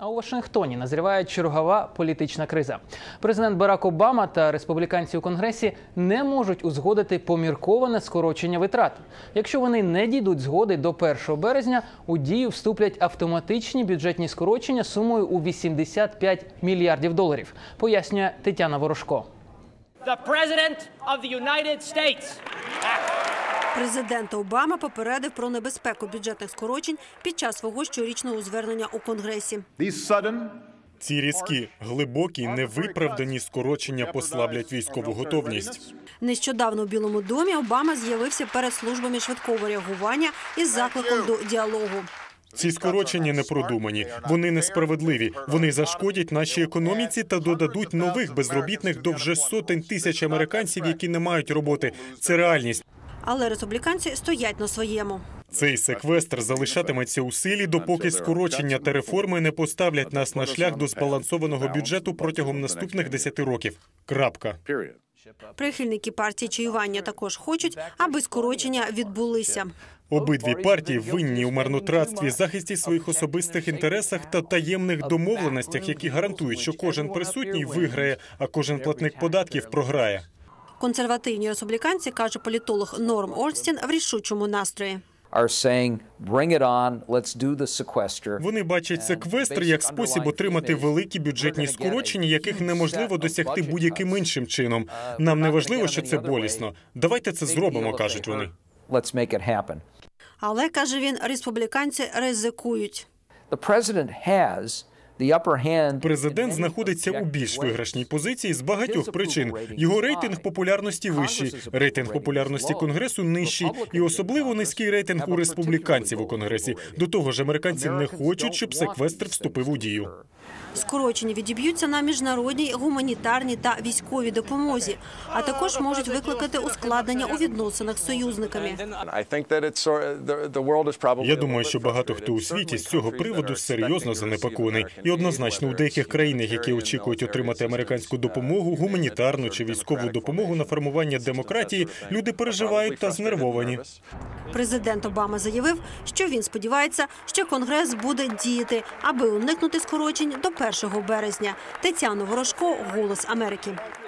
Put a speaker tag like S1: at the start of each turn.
S1: А у Вашингтоні назріває чергова політична криза. Президент Барак Обама та республіканці у Конгресі не можуть узгодити помірковане скорочення витрат. Якщо вони не дійдуть згоди до 1 березня, у дію вступлять автоматичні бюджетні скорочення сумою у 85 мільярдів доларів, пояснює Тетяна Ворожко.
S2: Президент Обама попередив про небезпеку бюджетних скорочень під час свого щорічного звернення у Конгресі.
S3: Ці різкі, глибокі, невиправдані скорочення послаблять військову готовність.
S2: Нещодавно у Білому домі Обама з'явився перед службами швидкого реагування із закликом до діалогу.
S3: Ці скорочення не продумані, вони несправедливі, вони зашкодять нашій економіці та додадуть нових безробітних до вже сотень тисяч американців, які не мають роботи. Це реальність.
S2: Але республіканці стоять на своєму.
S3: Цей секвестр залишатиметься у силі, допоки скорочення та реформи не поставлять нас на шлях до збалансованого бюджету протягом наступних 10 років. Крапка.
S2: Прихильники партії чаювання також хочуть, аби скорочення відбулися.
S3: Обидві партії винні у марнотратстві, захисті своїх особистих інтересах та таємних домовленостях, які гарантують, що кожен присутній виграє, а кожен платник податків програє.
S2: Консервативні республіканці, каже політолог Норм Орнстін, в рішучому настрої.
S3: Вони бачать секвестр як спосіб отримати великі бюджетні скорочення, яких неможливо досягти будь-яким іншим чином. Нам не важливо, що це болісно. Давайте це зробимо, кажуть вони.
S2: Але, каже він, республіканці ризикують.
S3: Президент знаходиться у більш виграшній позиції з багатьох причин. Його рейтинг популярності вищий, рейтинг популярності Конгресу нижчий і особливо низький рейтинг у республіканців у Конгресі. До того ж, американці не хочуть, щоб секвестр вступив у дію.
S2: Скорочення відіб'ються на міжнародній, гуманітарній та військовій допомозі, а також можуть викликати ускладнення у відносинах з союзниками.
S3: Я думаю, що багато хто у світі з цього приводу серйозно занепокоєний. І однозначно у деяких країнах, які очікують отримати американську допомогу, гуманітарну чи військову допомогу на формування демократії, люди переживають та знервовані.
S2: Президент Обама заявив, що він сподівається, що Конгрес буде діяти, аби уникнути скорочень до 1 березня. Тетяна Ворожко, «Голос Америки».